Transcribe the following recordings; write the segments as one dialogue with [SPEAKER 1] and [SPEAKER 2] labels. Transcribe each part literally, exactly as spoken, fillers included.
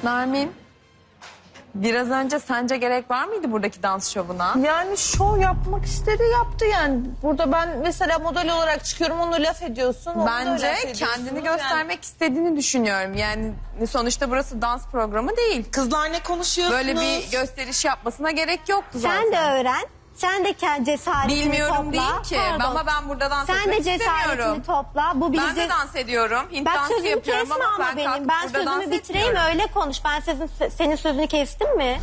[SPEAKER 1] Nermin, biraz önce sence gerek var mıydı buradaki dans şovuna?
[SPEAKER 2] Yani şov yapmak istedi, yaptı yani. Burada ben mesela model olarak çıkıyorum, onu laf ediyorsun. onu da
[SPEAKER 1] Bence
[SPEAKER 2] laf ediyorsun.
[SPEAKER 1] kendini göstermek istediğini düşünüyorum. Yani sonuçta burası dans programı değil.
[SPEAKER 3] Kızlar ne konuşuyorsunuz?
[SPEAKER 1] Böyle bir gösteriş yapmasına gerek yoktu zaten.
[SPEAKER 4] Sen de öğren. Sen de kendi cesaretini
[SPEAKER 1] Bilmiyorum
[SPEAKER 4] topla.
[SPEAKER 1] değil ki.
[SPEAKER 4] Pardon.
[SPEAKER 1] Ama ben burada dans
[SPEAKER 4] Sen
[SPEAKER 1] etmek
[SPEAKER 4] de cesaretini
[SPEAKER 1] istemiyorum.
[SPEAKER 4] topla. Bu
[SPEAKER 1] Ben de
[SPEAKER 4] bizi...
[SPEAKER 1] dans ediyorum. Hint
[SPEAKER 4] Bak
[SPEAKER 1] dansı
[SPEAKER 4] sözümü
[SPEAKER 1] yapıyorum
[SPEAKER 4] kesme
[SPEAKER 1] ama,
[SPEAKER 4] ama
[SPEAKER 1] ben
[SPEAKER 4] benim.
[SPEAKER 1] kalkıp
[SPEAKER 4] Ben
[SPEAKER 1] burada dans
[SPEAKER 4] sözümü bitireyim
[SPEAKER 1] etmiyorum.
[SPEAKER 4] öyle konuş. Ben sözün, senin sözünü kestim mi?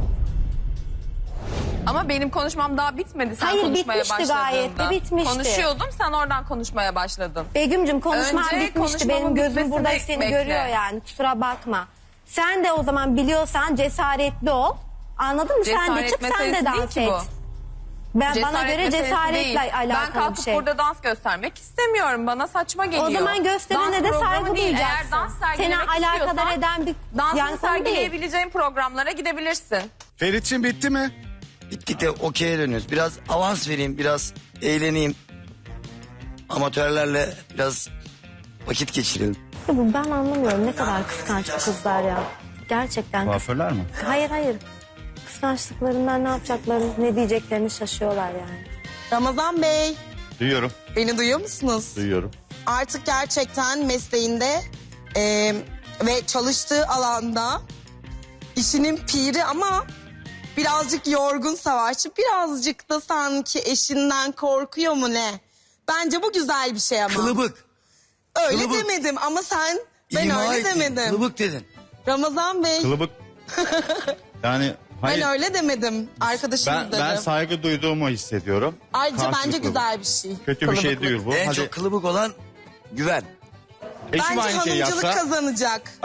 [SPEAKER 1] Ama benim konuşmam daha bitmedi sen
[SPEAKER 4] Hayır,
[SPEAKER 1] konuşmaya
[SPEAKER 4] bitmişti
[SPEAKER 1] başladığında.
[SPEAKER 4] gayet de, bitmişti.
[SPEAKER 1] Konuşuyordum, sen oradan konuşmaya başladın.
[SPEAKER 4] Begüm'cüm konuşman
[SPEAKER 1] Önce
[SPEAKER 4] bitmişti.
[SPEAKER 1] konuşmamın
[SPEAKER 4] Benim gözüm
[SPEAKER 1] bitmesini
[SPEAKER 4] burada seni
[SPEAKER 1] bekle.
[SPEAKER 4] görüyor yani. Kusura bakma. Sen de o zaman biliyorsan cesaretli ol. Anladın mı? Sen de
[SPEAKER 1] Cesaret
[SPEAKER 4] çık, sen
[SPEAKER 1] meselesi
[SPEAKER 4] de
[SPEAKER 1] değil
[SPEAKER 4] dans
[SPEAKER 1] ki
[SPEAKER 4] et.
[SPEAKER 1] bu.
[SPEAKER 4] Ben, bana
[SPEAKER 1] Cesaret
[SPEAKER 4] göre
[SPEAKER 1] meselesi
[SPEAKER 4] cesaretle
[SPEAKER 1] değil.
[SPEAKER 4] alakalı
[SPEAKER 1] Ben kalkıp
[SPEAKER 4] bir şey.
[SPEAKER 1] burada dans göstermek istemiyorum. Bana saçma geliyor.
[SPEAKER 4] O zaman gösterene
[SPEAKER 1] Dans
[SPEAKER 4] de
[SPEAKER 1] programı
[SPEAKER 4] saygı
[SPEAKER 1] değil.
[SPEAKER 4] duyacaksın.
[SPEAKER 1] Eğer dans
[SPEAKER 4] Seni
[SPEAKER 1] sergilemek
[SPEAKER 4] alakadar
[SPEAKER 1] istiyorsan
[SPEAKER 4] eden bir
[SPEAKER 1] dansını
[SPEAKER 4] yani konu değil.
[SPEAKER 1] sergileyebileceğin programlara gidebilirsin.
[SPEAKER 5] Ferit'ciğim bitti mi?
[SPEAKER 6] Bittik de okey'e dönüyoruz. Biraz avans vereyim, biraz eğleneyim. Amatörlerle biraz vakit geçirelim.
[SPEAKER 4] Bu ben anlamıyorum ne kadar kıskanç bu kızlar ya. Gerçekten.
[SPEAKER 5] Kuaförler mi?
[SPEAKER 4] Hayır hayır. Kıskançlıklarından ne yapacaklarını, ne diyeceklerini şaşıyorlar yani.
[SPEAKER 3] Ramazan Bey,
[SPEAKER 5] Duyuyorum,
[SPEAKER 3] beni duyuyor musunuz?
[SPEAKER 5] duyuyorum.
[SPEAKER 3] Artık gerçekten mesleğinde e, ve çalıştığı alanda işinin piri ama birazcık yorgun savaşçı. Birazcık da sanki eşinden korkuyor mu ne? Bence bu güzel bir şey ama.
[SPEAKER 6] Kılıbık.
[SPEAKER 3] Öyle
[SPEAKER 6] kılıbık.
[SPEAKER 3] demedim ama sen ben
[SPEAKER 6] İma
[SPEAKER 3] öyle
[SPEAKER 6] ettin,
[SPEAKER 3] demedim.
[SPEAKER 6] Kılıbık dedin.
[SPEAKER 3] Ramazan Bey
[SPEAKER 5] Kılıbık. Yani hayır.
[SPEAKER 3] ben öyle demedim. Arkadaşımız
[SPEAKER 5] Ben,
[SPEAKER 3] dedim.
[SPEAKER 5] ben saygı duyduğumu hissediyorum.
[SPEAKER 3] Ayrıca bence
[SPEAKER 5] Karşılıklı.
[SPEAKER 3] güzel bir şey.
[SPEAKER 5] Kötü bir şey
[SPEAKER 3] Kılıbıklık.
[SPEAKER 5] değil bu.
[SPEAKER 6] En
[SPEAKER 5] Hadi
[SPEAKER 6] çok kılıbık olan güven.
[SPEAKER 5] eşim
[SPEAKER 3] Bence
[SPEAKER 5] aynı şeyi
[SPEAKER 3] hanımcılık
[SPEAKER 5] yapsa.
[SPEAKER 3] kazanacak.